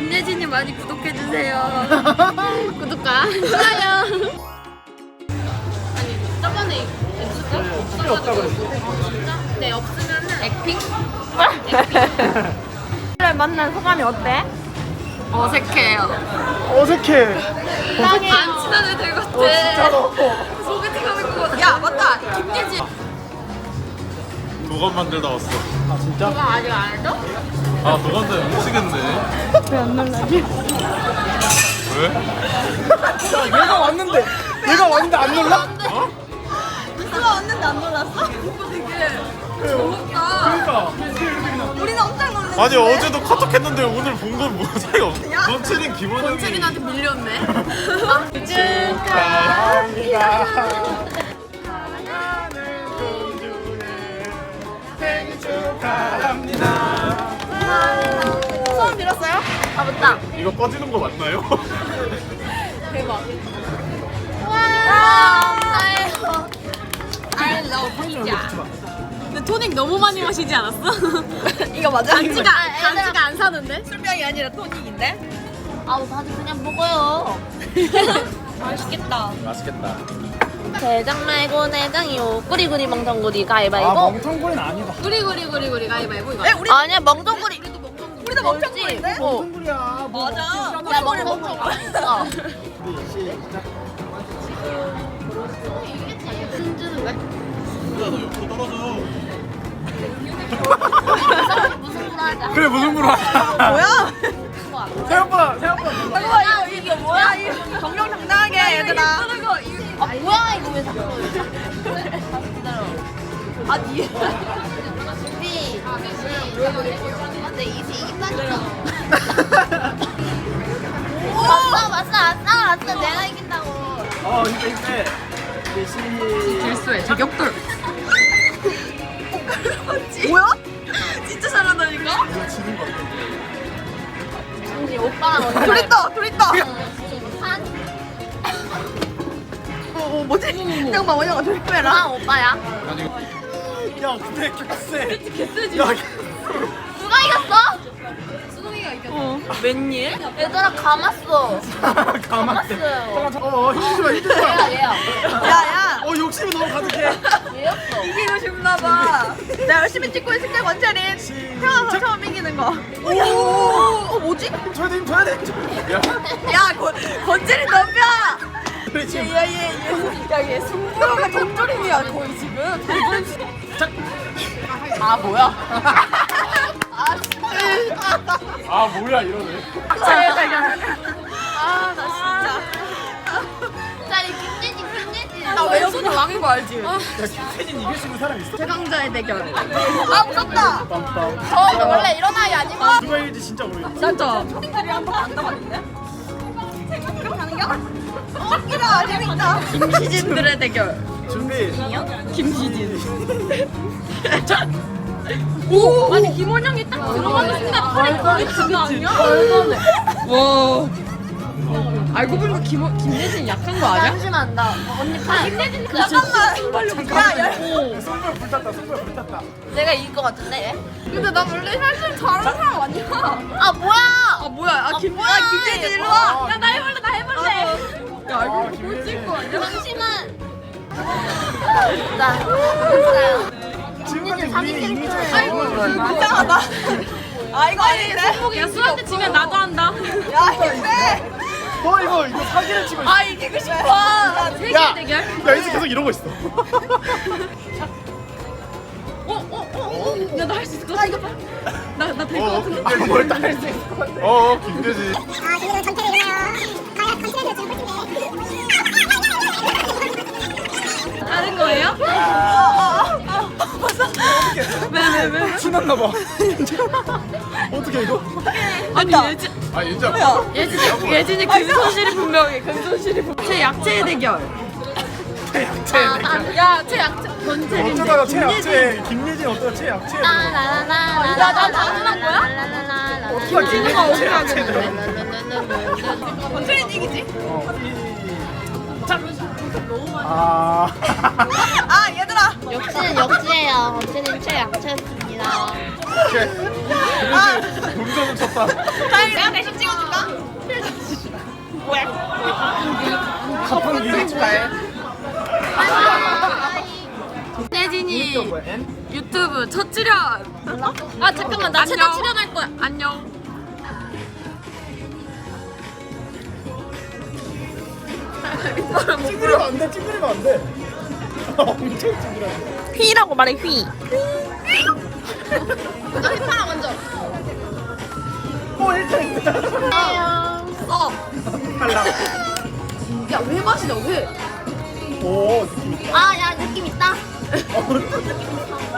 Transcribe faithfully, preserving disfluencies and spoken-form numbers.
김예진이 많이 구독해주세요. 구독과 좋아요. 아니 저번에 없을까? 없어가지고. 진짜? 네 없으면은 액핑? 를 만난 소감이 어때? 어색해요. 어색해. 안 친한 애들 같아. 어 진짜로. 소개팅 하는 거. 야 맞다. 김예진. 도감 만들다 왔어. 아 진짜? 누가 아직 안 해줘? 아 도감들 미치겠네. 왜 안 놀라지? 왜? 야 얘가 왔는데 얘가 왔는데 안 놀라? 어? 누가 왔는데 안 놀랐어? 오빠 되게 좋다. 그러니까. 우리는 엄청 놀랐어. 아니 어제도 카톡 했는데 오늘 본 건 뭐 차이가 없어. 번칠인 김원영이. 권채린한테 밀렸네. 축하합니다. 사랑하는 공주의 생일 축하합니다. 소원 빌었어요? 아 맞다. 이거 꺼지는 거 맞나요? 대박. 와 감사해요. I love 피자. 근데 토닉 너무 많이 마시지 않았어? 이거 맞아? 단지가 단지가 안 사는데? 술병이 아니라 토닉인데? 아우 다들 그냥 먹어요. 맛있겠다. 맛있겠다. 대장 말고 내장이요. 꾸리꾸리 멍텅구리 아 가위바위보. 멍텅구리는 아니다. 구리 구리 구리 구리 가위바위보 이거. 우리 아니야 멍텅구리. 우리도 멍멍. 우리도 멍텅구리인데? 어. 멍텅구리야. 뭐 맞아. 야 멍텅구리. 어. 우리 시작. 순주는 왜? 누가 너 옆으로 떨어져. 무슨 말 하자. 그래 무슨 부로 하자. 뭐야? 생각보다 생각보다. 잠깐만 이거 이게 뭐야? 정정당당하게 얘들아. 아 뭐야 이거 왜 자꾸 다시 기다려. 아 니. 준비. 근데 이제 이긴다니까. 왔어 왔어 왔어 왔어 내가 이긴다고. 어 이때 이때. 우리 시. 질수해 저격돌. 뭐야? 진짜 잘한다니까? 이거 지는 거 같아. 준비 오빠랑 언니. 둘 있다 둘 있다. 산. 어 뭐지? 잠깐만 원영아 둘 빼라. 산 오빠야. 아니 야 근데 개쎄. 개쎄지. 야 누가 이겼어? 수동이가 이겼어. 어. 웬일? 얘들아 감았어. 가만히. 감았어요. 어 힘주지 마 힘주지 마. 얘야 얘야. 야야. 어 욕심이 너무 가득해. 얘였어. 이기고 싶나봐. 나 열심히 찍고 있을게 권채린. 태어나서 처음 이기는 거. 오. 어 뭐지? 줘야 돼, 힘 줘야 돼. 힘 줘야 돼. 야, 야 권, 권채린 덤벼. 그래 지금. 야얘얘야얘 승부가 동조림이야 거의 지금. 아 뭐야? 아 뭐야 이러네. 아나 진짜. 자, 이 김예진 김예진. 나 왼손이 왕인 거 알지? 야 김태진 이길 수 있는 사람 있어? 최강자의 대결. 아 무섭다. 빰빰. 저 원래 이런 아이 아니고. 누가 이길지 진짜 모르겠다. 진짜. 초딩들이 한번 안 가봤는데? 그럼 가는 겨? 어, 웃기다. 재밌다. 김시진들의 대결. 준비. 김시진. 오! 아니 김원영이 딱 들어가는 순간 팔이 거기 장난 아니야? 와. 알고 보니까 김 김예진 약한 거 아니야? 잠시만 나 언니 팔. 김예진 잠깐만. 야, 야. 손발 불탔다. 손발 불탔다. 내가 이길 것 같은데 얘? 근데 나 원래 사실 잘하는 사람 아니야. 아 뭐야? 아 뭐야? 아, 김, 뭐야? 아 김예진 일로 와. 야, 나 해볼래 나 해볼래. 야 알고 아, 보니까 꼴찌일 거 아니야? 잠시만. 나 됐어요. 지금까지 자기 우리 이미 캐릭터예요. 잘 이상하다. 아 이거 아닌데? 야 수한테 지면 나도 한다. 야 힘내. 너 이거 이거 사기를 치고 있어. 아 이기고 싶어. 야 세계 야, 대결. 야 이제 계속 이러고 있어. 어어어. 야 나 할 수 있을 것 같아. 나나 될 것 어 같은데. 김대진. 뭘다할수 있을 것 같아. 어 김대진. 아, 지금 전태를 이나요? 과연 전태를 지금 꿀팁인데. 다른 거예요? 왜왜 왜? 신났나 봐. 어떻게 이거? 아니 예진 아 윤자. 예진 예진이 금손실이 분명해. 금손실이 분명. 제 약체의 대결. 최약체. 야제 약체 권채린. 어쩌다가 최약체. 김예진 어쩌다 최약체. 나나나나. 나 자신한 거야? 어떻게 지는가 어떻게 최약체. 하겠는데? 권채린 이기지? 아. 아 얘들아. 역시는 역시예요. 언제는 최약체였습니다. 그래서 동전은 쳤다. 내가 대신 찍어줄까? 가판기 축하해. 내진이 뭐야? N? 유튜브 첫 출연. 아 잠깐만 나 최다 출연할 거야. 안녕. 찡그리면 안 돼. 찡그리면 안 돼. 엄청 찡그려. 휘라고 말해 휘. 너 휘파람 먼저. 오 일 등. 써. 탈락. 야왜 마시냐 왜? 오 느낌 있다. 아 야 느낌 있다. 어, 느낌 있다.